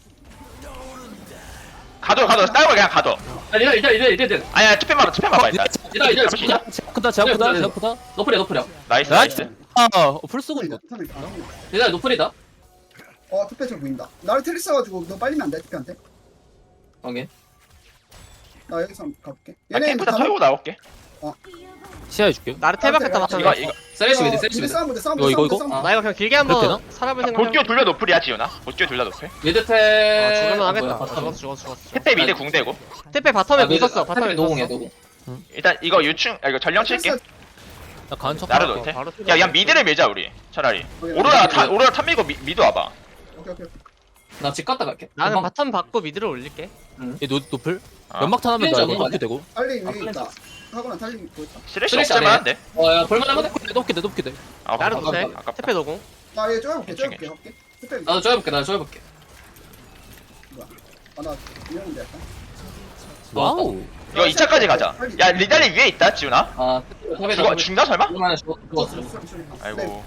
Speaker 5: 가둬 가둬 따고 그냥 가둬.
Speaker 2: 아, 이제 이제 이제 이제 이제.
Speaker 5: 아니야 투펜 봐봐 투펜 봐봐 일단.
Speaker 2: 이제 이제
Speaker 5: 잠시.
Speaker 2: 이제.
Speaker 4: 제압 크다 제압 크다 제압 크다.
Speaker 2: 노플이야 노플이야.
Speaker 5: 나이스
Speaker 4: 나이스.
Speaker 5: 나이스.
Speaker 4: 아, 어, 풀 쓰고 이거.
Speaker 2: 이제 노플이다.
Speaker 1: 어, 특배 저 보인다. 나를 테리 써가지고 너 빨리면 안 돼, 특배한테.
Speaker 2: 오케이.
Speaker 1: 나 여기서 한번 가볼게.
Speaker 5: 나
Speaker 1: 얘네
Speaker 5: 캠프다 털고 나올게.
Speaker 4: 시야해 줄게.
Speaker 6: 나를 텔박했다
Speaker 1: 아,
Speaker 6: 맞춰.
Speaker 5: 이거 이거
Speaker 2: 세레시 미드 세레시
Speaker 1: 미드
Speaker 2: 미드.
Speaker 1: 싸움 보자, 싸움
Speaker 4: 이거,
Speaker 1: 보자,
Speaker 4: 이거,
Speaker 1: 싸움
Speaker 4: 이거?
Speaker 1: 보자, 싸움
Speaker 6: 나 이거 그냥 길게
Speaker 4: 그렇게
Speaker 6: 한번 살아볼 생각.
Speaker 5: 볼교 둘려 노플이야 지훈아. 볼교 둘려 노플.
Speaker 2: 미드 테.
Speaker 6: 아 죽을만
Speaker 2: 아,
Speaker 6: 하겠다.
Speaker 2: 뭐야,
Speaker 6: 아,
Speaker 2: 바텀.
Speaker 6: 죽었어 죽었어 죽었어.
Speaker 5: 택배 미드 궁대고.
Speaker 6: 택배 바텀에 못 썼어. 바텀에
Speaker 2: 바텀에 노공이야 노공.
Speaker 5: 일단 이거 유충 아, 이거 전령 칠게.
Speaker 4: 나 가는 척.
Speaker 5: 나를
Speaker 4: 할게.
Speaker 5: 놓을게.
Speaker 6: 바로
Speaker 5: 야, 야 미드를 밀자 우리. 차라리.
Speaker 1: 오케이,
Speaker 5: 오로라
Speaker 2: 오케이.
Speaker 5: 타, 오로라 탑 밀고 미, 미드 와봐.
Speaker 1: 오케이, 오케이.
Speaker 2: 나집 갔다 갈게.
Speaker 6: 나는
Speaker 2: 금방-
Speaker 6: 바텀 받고 미드를 올릴게.
Speaker 4: 얘 노, 노플?
Speaker 5: 아.
Speaker 4: 연막탄 하면 나
Speaker 2: 플랜
Speaker 4: 이거
Speaker 2: 잡은
Speaker 4: 높게 되고.
Speaker 1: 달리
Speaker 2: 아,
Speaker 1: 위에 있다. 하거나 달리 있고 있다.
Speaker 5: 쓰레쉬
Speaker 2: 쓰레쉬
Speaker 5: 없을만
Speaker 2: 아니야?
Speaker 5: 한데.
Speaker 2: 어, 야 볼만하면 돼.
Speaker 4: 높게 돼 높게 돼.
Speaker 5: 아,
Speaker 6: 나를
Speaker 5: 아깝다.
Speaker 6: 못해.
Speaker 5: 아깝다.
Speaker 6: 택배 노공.
Speaker 1: 나얘 쪼여볼게,
Speaker 5: 괜찮아,
Speaker 1: 쪼여볼게, 할게. 특배
Speaker 2: 나도 쪼여볼게 나도 쪼여볼게.
Speaker 1: 아, 나 이러는데 약간.
Speaker 4: 와우.
Speaker 5: 이거 이 차까지 가자. 야, 리달리 위에 있다, 지훈아.
Speaker 2: 아 탑에다.
Speaker 5: 죽어, 죽나 설마?
Speaker 2: 볼만해 죽어 죽었어.
Speaker 5: 아이고.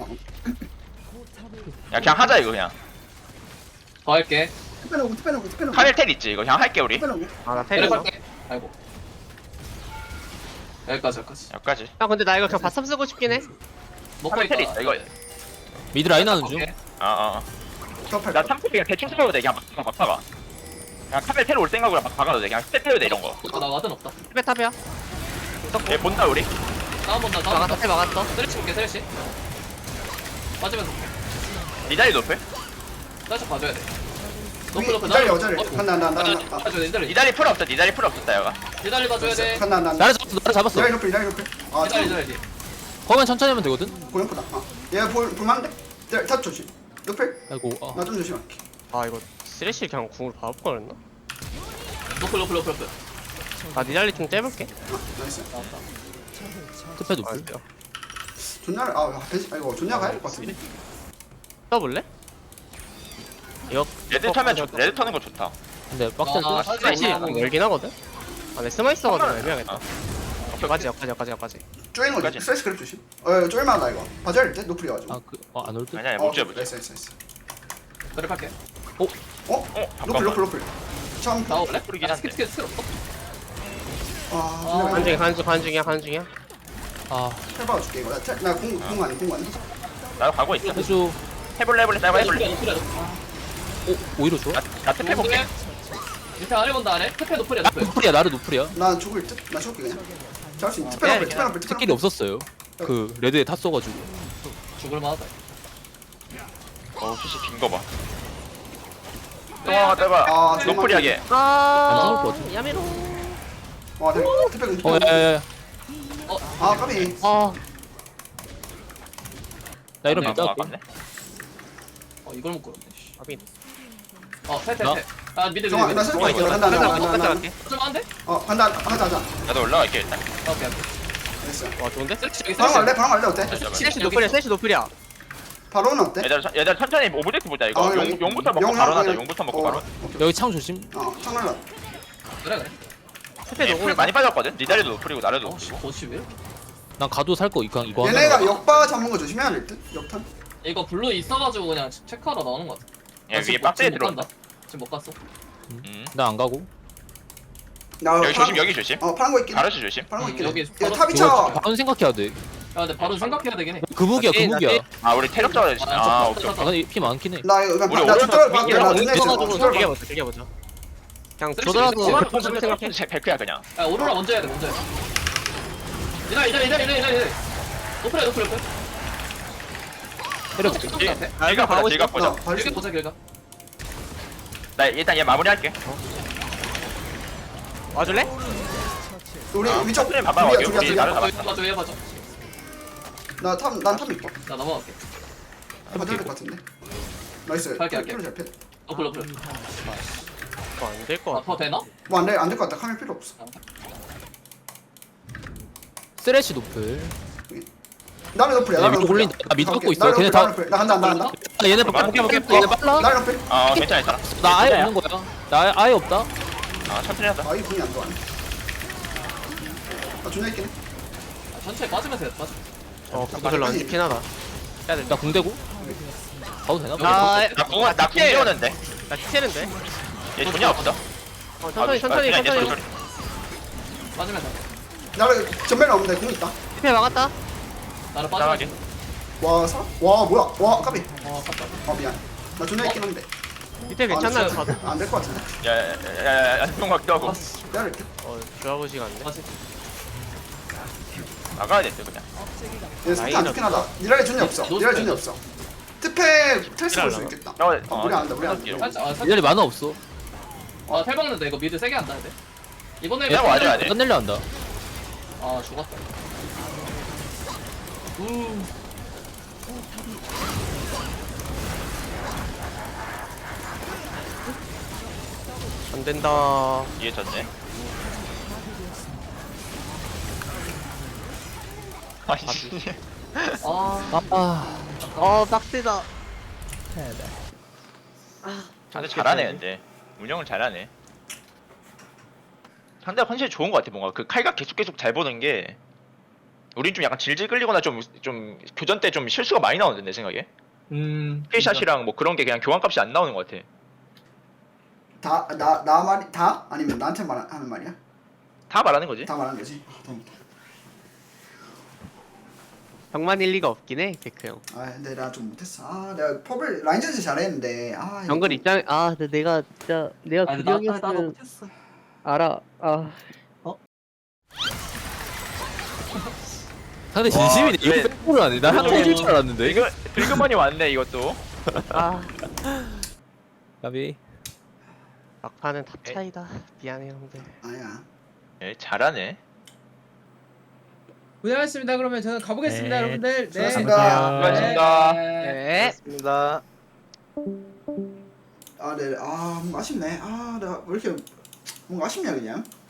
Speaker 5: 야, 그냥 하자 이거 그냥.
Speaker 2: 더 할게.
Speaker 1: 특배 놓고, 특배 놓고, 특배 놓고.
Speaker 5: 카멜 텔 있지 이거 그냥 할게 우리.
Speaker 1: 특배 놓고.
Speaker 6: 아나 텔.
Speaker 2: 내려
Speaker 6: 형
Speaker 2: 갈게. 아이고. 여기까지 여기까지.
Speaker 5: 여기까지.
Speaker 6: 근데 나 이거 그냥 바텀 쓰고 싶긴 해.
Speaker 2: 먹고
Speaker 5: 카멜 텔 있다 이거.
Speaker 4: 미드 라인 하는 중.
Speaker 2: 오케이.
Speaker 5: 아, 아. 아.
Speaker 1: 접할
Speaker 5: 나
Speaker 1: 거야.
Speaker 5: 삼 프 그냥 대충 쳐도 돼. 그냥 막, 막, 막 박아. 그냥 카멜 텔 올 생각으로 막 박아도 돼. 그냥 스텝 해도 돼 이런 거.
Speaker 2: 어, 나 와든 없다.
Speaker 6: 택배 탑이야.
Speaker 5: 얘 본다 우리.
Speaker 2: 다운 본다 다운
Speaker 6: 막았어
Speaker 2: 본다.
Speaker 6: 텔 막았어.
Speaker 2: 세레시 볼게 세레시. 맞으면서 볼게.
Speaker 5: 리달리 높을.
Speaker 2: 살짝 봐줘야 돼.
Speaker 1: 위-
Speaker 2: 노플 노플
Speaker 1: 기다려,
Speaker 2: 나를-
Speaker 1: 기다려.
Speaker 2: 어,
Speaker 1: 간다, 나, 나,
Speaker 2: 봐줘야
Speaker 1: 나.
Speaker 2: 돼, 봐줘야 돼 니달리.
Speaker 5: 리달리 풀 없어. 리달리 풀 없었다 여가.
Speaker 2: 니달리 봐줘야 돼.
Speaker 1: 간다, 나, 나.
Speaker 4: 나를 잡았어 나를 잡았어.
Speaker 1: 이라이 높이, 이라이 높이. 아,
Speaker 2: 니달리
Speaker 1: 참.
Speaker 2: 니달리.
Speaker 4: 거면 천천히 하면 되거든.
Speaker 1: 고용프다. 아, 얘 볼, 볼만한데? 자, 탑 조심. 높이.
Speaker 4: 아이고. 아.
Speaker 1: 나 좀 조심할게.
Speaker 6: 아 이거 쓰레쉬 그냥 궁으로 바로 꺼냈나?
Speaker 2: 노플 노플 노플 노플.
Speaker 6: 아 니달리 좀 떼볼게.
Speaker 1: 아, 나이스.
Speaker 4: 스페 노플.
Speaker 1: 존나를, 아, 벤시, 아이고, 존나가 해야 될 것 같은데.
Speaker 6: 떠볼래? 이거
Speaker 5: 레드 타면 좋. 레드 타는 거 좋다.
Speaker 4: 근데 빡센
Speaker 2: 아,
Speaker 4: 듯.
Speaker 6: 쓰레쉬
Speaker 2: 아,
Speaker 6: 열긴 하거든? 아 근데 스마 있어가지고 애매하겠다.
Speaker 5: 아.
Speaker 6: 여기까지 여기까지 여기까지 여기까지.
Speaker 1: 쪼이는 거지.
Speaker 5: 여기까지.
Speaker 1: 스트레스 그립 조심. 어, 쪼일만하다, 이거. 봐줘야 될 때? 높이가지고.
Speaker 4: 아그어안 올 듯.
Speaker 5: 아니야,
Speaker 1: 어,
Speaker 5: 못 잡을.
Speaker 1: 나이스, 나이스, 나이스.
Speaker 2: 그래 할게.
Speaker 1: 어?
Speaker 5: 어,
Speaker 1: 높을,
Speaker 5: 잠깐만.
Speaker 1: 높을, 높을. 처음.
Speaker 2: 나올래?
Speaker 5: 풀이긴
Speaker 2: 아,
Speaker 5: 한데.
Speaker 2: 스킬 스킬 스킬 없어?
Speaker 1: 아,
Speaker 2: 아,
Speaker 6: 간 중이야 간 중, 간 중이야 간 중이야.
Speaker 4: 아
Speaker 1: 해봐 줄게, 이거. 나, 태- 나 공, 공 아니, 공 아니.
Speaker 5: 나도 가고 있어.
Speaker 4: 해수.
Speaker 5: 해볼래 해볼래. 나 해볼래.
Speaker 2: 노플이야 노플이야.
Speaker 4: 오 오히려 좋아.
Speaker 5: 나, 나 특패 볼게.
Speaker 2: 밑에 아래 본다 아래. 특패 노플이야 노플.
Speaker 4: 노플이야 나를 노플이야.
Speaker 1: 난 죽을 듯. 나 죽을게 그냥. 잘할 수 있어.
Speaker 2: 아,
Speaker 1: 특별
Speaker 6: 네,
Speaker 1: 한번 특별 한번 특별
Speaker 4: 스킬이 없었어요. 그 레드에 탔 써가지고.
Speaker 2: 죽을 만하다.
Speaker 5: 어 푸시 빈거 봐. 똥아 대박.
Speaker 1: 아,
Speaker 5: 노플이하게.
Speaker 4: 안 나올 것
Speaker 6: 아
Speaker 4: 같아.
Speaker 6: 야메로.
Speaker 1: 와, 대 특별
Speaker 4: 어
Speaker 1: 특별.
Speaker 4: 야야야.
Speaker 1: 아, 까비.
Speaker 6: 아
Speaker 4: 나 이런
Speaker 2: 네,
Speaker 4: 밀자.
Speaker 5: 아깝네.
Speaker 2: 어 이걸 못 걸었네. 씨.
Speaker 6: 아빈.
Speaker 2: 어 세트
Speaker 4: 나?
Speaker 2: 세트. 아 미드 미드
Speaker 1: 정아,
Speaker 2: 미드.
Speaker 1: 나 슬퍼.
Speaker 6: 정아,
Speaker 1: 간다, 간다, 간다,
Speaker 6: 똑같이
Speaker 1: 간다.
Speaker 6: 갈게.
Speaker 2: 좀 안돼?
Speaker 1: 어, 간다. 하자, 하자.
Speaker 5: 나도 올라갈게 일단.
Speaker 2: 오케이 오케이.
Speaker 1: 됐어.
Speaker 6: 와 좋은데?
Speaker 2: 세트 여기
Speaker 1: 바로
Speaker 2: 세트.
Speaker 1: 갈래? 바로 갈래 어때?
Speaker 6: 셋이 노플이야 셋이 노플이야.
Speaker 1: 바로는 어때?
Speaker 5: 얘들 얘들 천천히 오브젝트 보자 이거.
Speaker 1: 아,
Speaker 5: 용,
Speaker 1: 여기-
Speaker 5: 용부터 먹고
Speaker 1: 용,
Speaker 5: 바로
Speaker 1: 용,
Speaker 5: 나자.
Speaker 1: 용.
Speaker 5: 용부터 먹고
Speaker 1: 어,
Speaker 5: 바로.
Speaker 1: 오케이.
Speaker 4: 여기 창 조심.
Speaker 1: 어, 창날라.
Speaker 2: 그래 그래.
Speaker 6: 셋이
Speaker 5: 얘 풀
Speaker 6: 노플
Speaker 5: 많이 빠졌거든. 니다리도 노플이고 나래도
Speaker 2: 어씨
Speaker 5: 노플이고.
Speaker 2: 거시 왜?
Speaker 4: 난 가도 살 거 이거 이거 하나.
Speaker 1: 얘네가 역바 잡는 거 조심해야 될 듯. 역탄.
Speaker 2: 이거 블루 있어가지고 그냥 체크하러 나오는 거 같아.
Speaker 5: 얘
Speaker 2: 아,
Speaker 5: 위에
Speaker 2: 지금
Speaker 5: 박스에
Speaker 2: 못
Speaker 5: 들어온다.
Speaker 2: 간다. 지금 못 갔어.
Speaker 5: 음.
Speaker 4: 나안 가고.
Speaker 1: 나
Speaker 5: 여기 조심
Speaker 1: 파란-
Speaker 5: 여기 조심.
Speaker 1: 어, 파란 거 있긴. 해.
Speaker 5: 가르치 조심.
Speaker 1: 파란 거
Speaker 2: 음,
Speaker 1: 있긴.
Speaker 2: 여기
Speaker 1: 해. 야,
Speaker 2: 바로-
Speaker 1: 탑이
Speaker 4: 이거
Speaker 1: 차.
Speaker 4: 바로 생각해야 돼.
Speaker 2: 야 근데 바로 생각해야 되긴 해.
Speaker 4: 그 무기야 그
Speaker 6: 나
Speaker 4: 무기야.
Speaker 6: 나
Speaker 5: 아 우리 태력 잡아야 돼.
Speaker 2: 아,
Speaker 5: 아
Speaker 2: 좀
Speaker 5: 오케이.
Speaker 2: 떴다,
Speaker 4: 아 근데 피 많긴 해.
Speaker 1: 나 이거
Speaker 5: 우리
Speaker 1: 그냥 나
Speaker 5: 오른쪽
Speaker 1: 튜토리얼 봐도 돼. 나
Speaker 5: 윙이랑
Speaker 1: 눈에 있어.
Speaker 6: 들어가지고
Speaker 1: 튜토리얼 봐.
Speaker 6: 즐겨보자 즐겨보자. 그냥
Speaker 2: 쓸수
Speaker 6: 조더라도
Speaker 2: 있어.
Speaker 6: 백 퍼센트 생각해.
Speaker 5: 제 백크야 그냥.
Speaker 2: 야 오로라 먼저 해야 돼 먼저 해. 이다 이다 이다 이다 이다 이다. 노플해 노플 노플.
Speaker 4: 때려볼게.
Speaker 6: 아,
Speaker 5: 길각 보자
Speaker 6: 가고
Speaker 5: 길각
Speaker 1: 나
Speaker 5: 보자.
Speaker 1: 발수.
Speaker 2: 길게 보자 길가.
Speaker 5: 나 일단 얘 마무리할게.
Speaker 6: 와줄래?
Speaker 1: 우리
Speaker 5: 아,
Speaker 1: 위쪽
Speaker 5: 그래,
Speaker 1: 둘이야,
Speaker 5: 봐봐,
Speaker 1: 둘이야,
Speaker 5: 우리
Speaker 1: 둘이야.
Speaker 5: 나를-
Speaker 2: 봐줘 봐줘 얘 봐줘.
Speaker 1: 나 탑, 난탑 있고.
Speaker 2: 나 넘어갈게.
Speaker 1: 가져야 될것 같은데. 나이스.
Speaker 2: 갈게, 갈게.
Speaker 1: 필요 잘 패.
Speaker 2: 노플 노플.
Speaker 6: 안될거
Speaker 2: 아
Speaker 6: 같아.
Speaker 2: 더 되나?
Speaker 1: 뭐 안 돼, 안 될 것 같다. 카메라 필요 없어.
Speaker 4: 쓰레쉬 노플.
Speaker 1: 나를 높으려.
Speaker 4: 야,
Speaker 1: 나를
Speaker 4: 밑에
Speaker 1: 높으려.
Speaker 4: 올린다. 아, 밑에
Speaker 1: 가볼게.
Speaker 4: 걷고 있어.
Speaker 1: 나를
Speaker 4: 걔네
Speaker 1: 높으려,
Speaker 4: 다-
Speaker 1: 나를 높으려. 나 간다, 나 간다.
Speaker 4: 아 얘네 봐.
Speaker 5: 오케이, 오케이,
Speaker 4: 얘네 빨라.
Speaker 1: 나를 높여.
Speaker 5: 아 괜찮아 괜찮아.
Speaker 4: 나 아예 없는 거야. 나 아예, 아예 없다.
Speaker 5: 아 천천히 하자.
Speaker 1: 아, 이 분이 안 좋아하네. 나 존나 있긴 해.
Speaker 2: 아, 천천히 빠지면서 해 빠져.
Speaker 6: 어 그거 별로 안 좋긴 하다. 해야 돼.
Speaker 4: 나 궁대고. 가도 되나?
Speaker 6: 나
Speaker 5: 나 궁, 나궁 재우는데.
Speaker 6: 나 티체는데.
Speaker 5: 얘 돈이 없어.
Speaker 6: 어 천천히
Speaker 5: 아,
Speaker 6: 천천히
Speaker 5: 그냥 얘
Speaker 6: 천천히.
Speaker 5: 소리.
Speaker 2: 빠지면서.
Speaker 1: 나를 전멸 없는데 공 있다.
Speaker 6: 티페 막았다.
Speaker 2: 나를
Speaker 5: 이상하게.
Speaker 2: 빠지면서.
Speaker 1: 와, 사? 와, 뭐야? 와, 까비.
Speaker 2: 어 갔다.
Speaker 1: 아, 미안. 나 존나 있긴 한데.
Speaker 6: 티페 괜찮나?
Speaker 2: 진짜.
Speaker 6: 봐도.
Speaker 1: 안 될 것 같은데.
Speaker 5: 야야야야야 똥 같기도 하고.
Speaker 1: 내가 이렇게.
Speaker 6: 어 좋아하고 시간인데.
Speaker 2: 다시.
Speaker 5: 나가야 됐어 그냥.
Speaker 1: 얘 상태 안 좋긴 하다. 니랄이 존이 없어. 니랄이 존이 없어. 특패 트레스 볼 수 있겠다.
Speaker 5: 어,
Speaker 1: 어, 우리 안 한다, 우리 안 한다.
Speaker 2: 살짝 아 살짝.
Speaker 4: 얘네 만화 없어.
Speaker 2: 아 탈박는데 이거 미드 세게 한다 근데. 이번에
Speaker 5: 그냥 와줘야 돼.
Speaker 4: 끝내려 한다.
Speaker 2: 아 죽었다. 우.
Speaker 6: 안 된다.
Speaker 5: 이해 졌네. 아니
Speaker 2: 아.
Speaker 4: 아.
Speaker 6: 어 빡세다.
Speaker 5: 상대 잘하네 근데 운영을 잘하네. 상대가 컨셉이 좋은 것 같아. 뭔가 그 칼각 계속 계속 잘 보는 게 우린 좀 약간 질질 끌리거나 좀 좀 교전 때 좀 실수가 많이 나오는데 내 생각에
Speaker 2: 음.
Speaker 5: 스킬샷이랑 뭐 그런 게 그냥 교환값이 안 나오는 것 같아.
Speaker 1: 다, 나, 나 말이, 다? 아니면 나한테 말하는 말이야?
Speaker 5: 다 말하는 거지.
Speaker 1: 다 말하는 거지? 아, 다행이다.
Speaker 6: 병만 일리가 없긴 해 데크 형.
Speaker 1: 아, 근데 나 좀 못했어. 아, 내가 펍을 라인전에서 잘했는데. 아, 이거
Speaker 6: 정글
Speaker 1: 좀-
Speaker 6: 입장 아 근데 내가 진짜 내가
Speaker 2: 아니 나 나도
Speaker 6: 구경이었으면
Speaker 2: 못했어.
Speaker 6: 알아. 아
Speaker 4: 상대 진심이네.
Speaker 5: 와,
Speaker 4: 이거
Speaker 5: 그래.
Speaker 4: 백골을 안 해. 나 한번 해줄 줄 알았는데.
Speaker 5: 이거 들그머니 왔네 이것도.
Speaker 6: 아.
Speaker 4: 가비.
Speaker 6: 막판은 탑 차이다. 미안해 형들.
Speaker 1: 아니야.
Speaker 5: 예, 잘하네.
Speaker 8: 고생하셨습니다. 그러면 저는 가보겠습니다,
Speaker 4: 네.
Speaker 8: 여러분들. 네.
Speaker 1: 수고하셨습니다.
Speaker 5: 수고하셨습니다.
Speaker 6: 네.
Speaker 3: 맞습니다.
Speaker 1: 아, 네. 아, 뭔가 아쉽네. 아, 내가 왜 이렇게 뭔가 아쉽냐 그냥.